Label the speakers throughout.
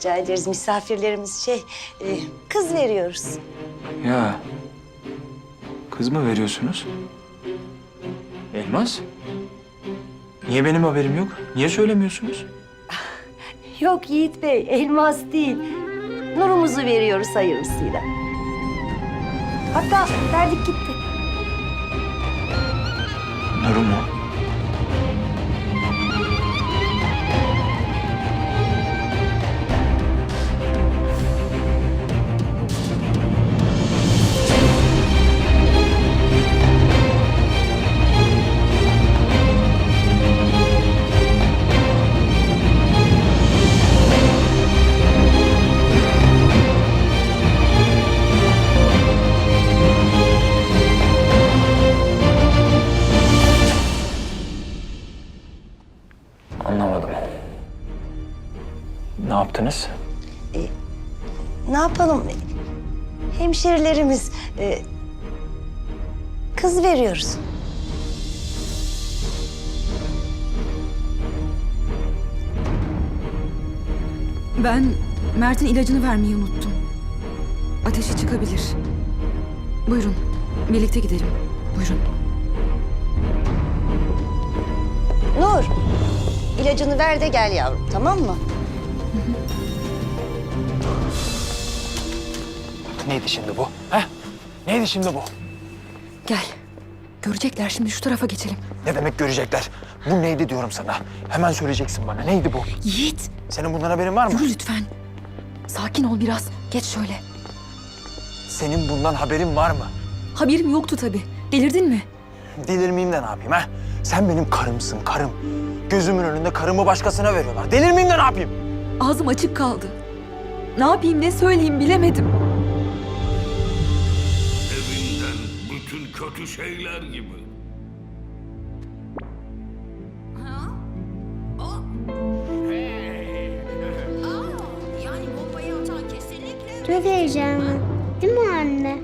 Speaker 1: Rica ederiz. Misafirlerimiz kız veriyoruz.
Speaker 2: Ya, kız mı veriyorsunuz? Elmas? Niye benim haberim yok? Niye söylemiyorsunuz?
Speaker 1: Yok Yiğit Bey, elmas değil. Nurumuzu veriyoruz hayırlısıyla. Hatta verdik gitti.
Speaker 2: Nuru mu? Anlamadım. Ne yaptınız?
Speaker 1: Ne yapalım? Hemşerilerimiz kız veriyoruz.
Speaker 3: Ben Mert'in ilacını vermeyi unuttum. Ateşi çıkabilir. Buyurun, birlikte gidelim. Buyurun.
Speaker 1: Nur, ilacını ver de gel yavrum, tamam mı?
Speaker 2: Neydi şimdi bu? He? Neydi şimdi bu?
Speaker 3: Gel. Görecekler şimdi, şu tarafa geçelim.
Speaker 2: Ne demek görecekler? Bu neydi diyorum sana. Hemen söyleyeceksin bana. Neydi bu?
Speaker 3: Yiğit,
Speaker 2: Senin bundan haberin var mı?
Speaker 3: yürü lütfen. Sakin ol biraz. Geç şöyle.
Speaker 2: Senin bundan haberin var mı?
Speaker 3: Haberim yoktu tabii. Delirdin mi?
Speaker 2: Delirmeyeyim de ne yapayım ha? Sen benim karımsın, karım. Gözümün önünde karımı başkasına veriyorlar. Delirmeyeyim de ne yapayım?
Speaker 3: Ağzım açık kaldı. Ne yapayım, ne söyleyeyim bilemedim.
Speaker 4: Evinden bütün kötü şeyler gibi.
Speaker 5: Yani bombayı atan kesinlikle...
Speaker 6: Çok heyecanlı. Değil mi anne?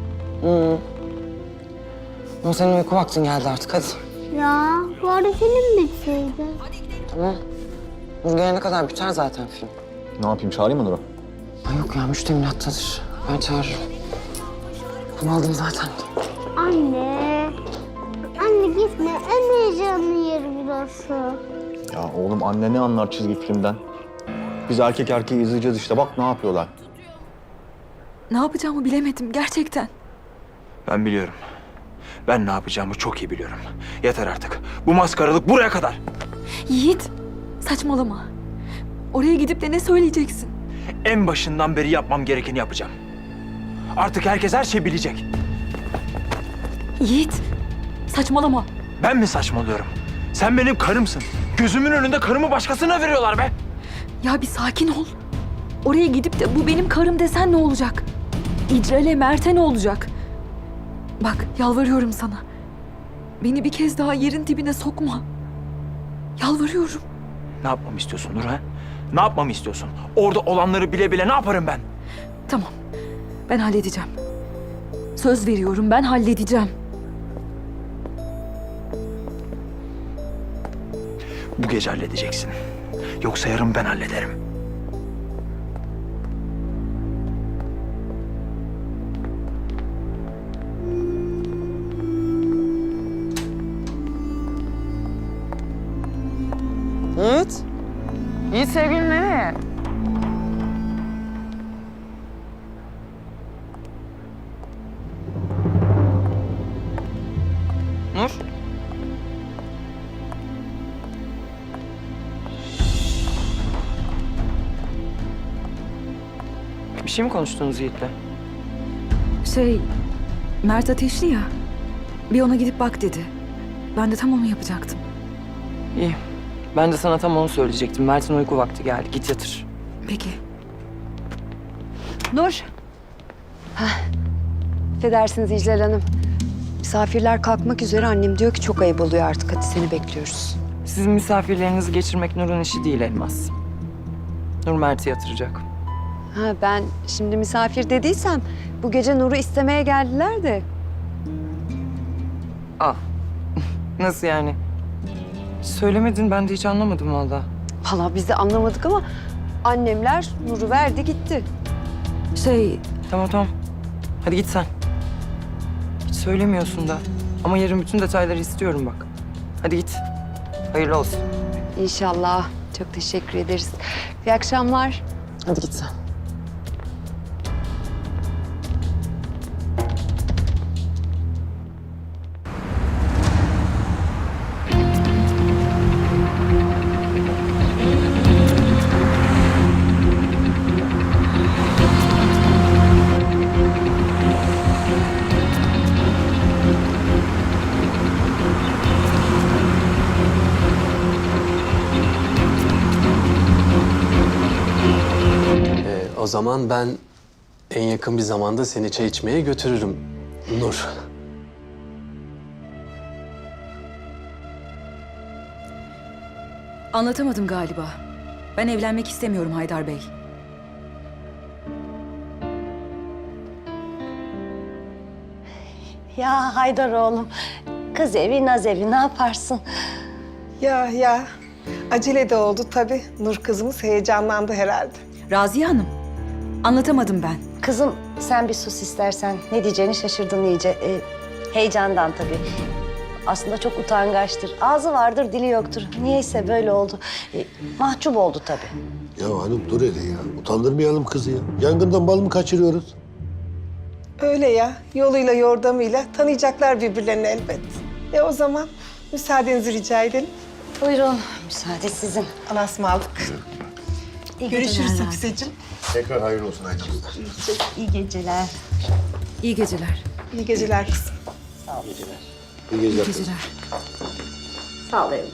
Speaker 7: Ama senin uyku vaktin geldi artık, hadi.
Speaker 6: Ya bari film bitseydi.
Speaker 7: Tamam. Nur gelene kadar biter zaten film.
Speaker 8: Ne yapayım, çağırayım mı Nur'u?
Speaker 7: Ay yok ya, müştemilattadır. Ben çağırırım. Bunu aldım zaten.
Speaker 6: Anne. Anne gitme. En heyecanlı yeri burası.
Speaker 8: Ya oğlum, anne ne anlar çizgi filmden? Biz erkek erkeği izleyeceğiz işte, bak ne yapıyorlar.
Speaker 3: Ne yapacağımı bilemedim gerçekten.
Speaker 2: Ben biliyorum. Ben ne yapacağımı çok iyi biliyorum. Yeter artık. Bu maskaralık buraya kadar.
Speaker 3: Yiğit, saçmalama. Oraya gidip de ne söyleyeceksin?
Speaker 2: En başından beri yapmam gerekeni yapacağım. Artık herkes her şeyi bilecek.
Speaker 3: Yiğit, saçmalama.
Speaker 2: Ben mi saçmalıyorum? Sen benim karımsın. Gözümün önünde karımı başkasına veriyorlar be.
Speaker 3: Ya bir sakin ol. Oraya gidip de bu benim karım desen ne olacak? İcrel'e, Mert'e ne olacak? Bak, yalvarıyorum sana. Beni bir kez daha yerin dibine sokma. Yalvarıyorum.
Speaker 2: Ne yapmamı istiyorsun Nur ha? Ne yapmamı istiyorsun? Orada olanları bile bile ne yaparım ben?
Speaker 3: Tamam, ben halledeceğim. Söz veriyorum, ben halledeceğim.
Speaker 2: Bu gece halledeceksin. Yoksa yarın ben hallederim.
Speaker 7: Yiğit. Yiğit sevgilim nereye? Nur. Bir şey mi konuştunuz Yiğit'le?
Speaker 3: Mert ateşli ya. Bir ona gidip bak dedi. Ben de tam onu yapacaktım.
Speaker 7: İyi. Ben de sana tam onu söyleyecektim. Mert'in uyku vakti geldi. Git yatır.
Speaker 3: Peki.
Speaker 9: Nur. Affedersiniz İclal Hanım. Misafirler kalkmak üzere, annem diyor ki çok ayıp oluyor artık. Hadi seni bekliyoruz.
Speaker 7: Sizin misafirlerinizi geçirmek Nur'un işi değil Elmas. Nur Mert'i yatıracak.
Speaker 9: Ha, ben şimdi misafir dediysem bu gece Nur'u istemeye geldiler de.
Speaker 7: Aa. Nasıl yani? Söylemedin, ben de hiç anlamadım valla.
Speaker 9: Vallahi biz de anlamadık ama Annemler Nur'u verdi gitti.
Speaker 7: Tamam. Hadi git sen. Hiç söylemiyorsun da. Ama yarın bütün detayları istiyorum bak. Hadi git. Hayırlı olsun.
Speaker 9: İnşallah. Çok teşekkür ederiz. İyi akşamlar.
Speaker 7: Hadi git sen.
Speaker 10: O zaman ben en yakın bir zamanda seni çay içmeye götürürüm Nur.
Speaker 3: Anlatamadım galiba. Ben evlenmek istemiyorum Haydar Bey.
Speaker 1: Ya Haydar oğlum, kız evi naz evi ne yaparsın?
Speaker 11: Ya. Acele de oldu tabii. Nur kızımız heyecanlandı herhalde.
Speaker 3: Raziye Hanım, anlatamadım ben.
Speaker 1: Kızım sen bir sus istersen. Ne diyeceğini şaşırdın iyice. Heyecandan tabii. Aslında çok utangaçtır. Ağzı vardır, dili yoktur. Niyeyse böyle oldu. Mahcup oldu tabii.
Speaker 12: Ya hanım dur hele ya. Utandırmayalım kızı ya. Yangından bal mı kaçırıyoruz?
Speaker 11: Öyle ya. Yoluyla yordamıyla tanıyacaklar birbirlerini elbet. O zaman müsaadenizi rica edelim.
Speaker 1: Buyurun, müsaade sizin.
Speaker 11: Allah'a ısmarladık.
Speaker 1: İyi
Speaker 11: Görüşürüz
Speaker 1: geceler.
Speaker 11: Hafizeciğim.
Speaker 12: Tekrar hayırlı olsun Aydın'ızlar.
Speaker 1: İyi geceler.
Speaker 3: İyi geceler.
Speaker 11: İyi geceler kızım.
Speaker 12: İyi geceler.
Speaker 3: İyi geceler.
Speaker 1: Sağ ol evladım.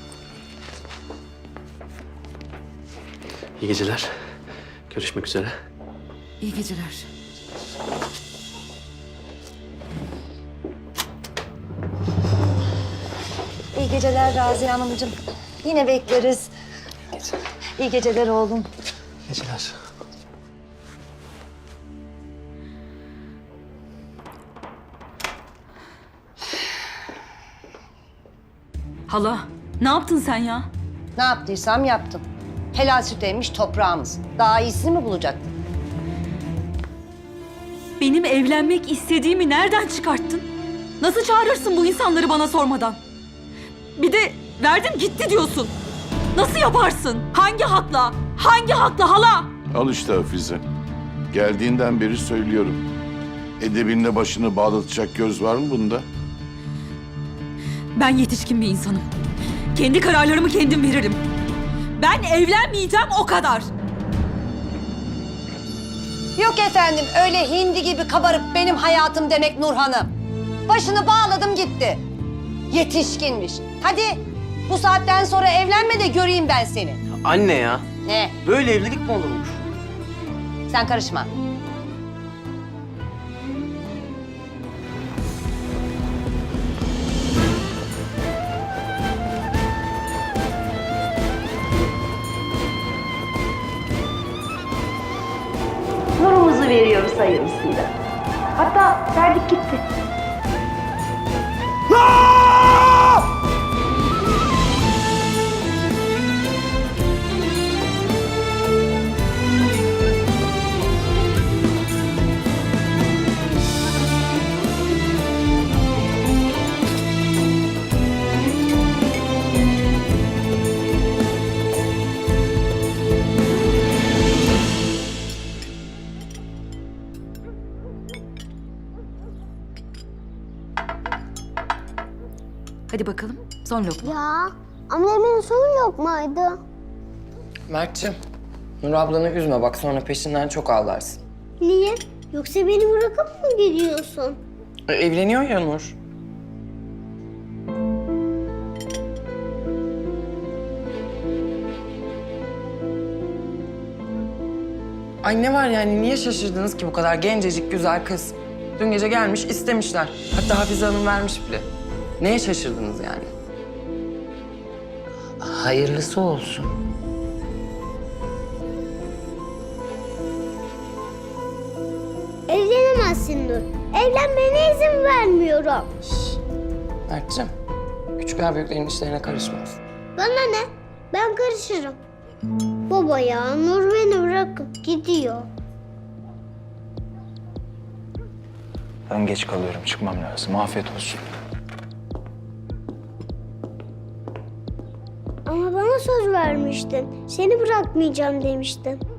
Speaker 10: İyi geceler. Görüşmek üzere.
Speaker 3: İyi geceler.
Speaker 1: İyi geceler Raziye Hanımcığım. Yine bekleriz. İyi geceler oğlum.
Speaker 10: İyi geceler.
Speaker 3: Hala, ne yaptın sen ya?
Speaker 1: Ne yaptıysam yaptım. Helal süt emmiş toprağımız. Daha iyisini mi bulacaktın?
Speaker 3: Benim evlenmek istediğimi nereden çıkarttın? Nasıl çağırırsın bu insanları bana sormadan? Bir de verdim gitti diyorsun. Nasıl yaparsın? Hangi hakla? Hangi hakla hala?
Speaker 4: Al işte Hafize. Geldiğinden beri söylüyorum. Edebinle başını bağlatacak göz var mı bunda?
Speaker 3: Ben yetişkin bir insanım. Kendi kararlarımı kendim veririm. Ben evlenmeyeceğim o kadar.
Speaker 1: Yok efendim öyle hindi gibi kabarıp benim hayatım demek Nur Hanım. Başını bağladım gitti. Yetişkinmiş. Hadi bu saatten sonra evlenme de göreyim ben seni.
Speaker 10: Anne ya.
Speaker 1: Ne?
Speaker 10: Böyle evlilik mi olurmuş?
Speaker 1: Sen karışma. Nurumuzu veriyoruz hayırlısıyla. Hatta verdik gitti.
Speaker 3: Hadi bakalım son lokma.
Speaker 6: Ya annemin son yok muydu?
Speaker 7: Mert'ciğim, Nur ablanı üzme bak sonra peşinden çok ağlarsın.
Speaker 6: Niye? Yoksa beni bırakıp mı gidiyorsun?
Speaker 7: Evleniyor ya Nur. Ay ne var yani niye şaşırdınız ki bu kadar gencecik güzel kız? Dün gece gelmiş istemişler. Hatta Hafize Hanım vermiş bile. Neye şaşırdınız yani?
Speaker 10: Hayırlısı olsun.
Speaker 6: Evlenemezsin Nur. Evlenmene izin vermiyorum.
Speaker 7: Mert'ciğim, küçükler büyüklerin işlerine karışmaz.
Speaker 6: Bana ne? Ben karışırım. Baba baba ya. Nur beni bırakıp gidiyor.
Speaker 8: Ben geç kalıyorum. Çıkmam lazım. Afiyet olsun.
Speaker 6: Ama bana söz vermiştin. Seni bırakmayacağım demiştin.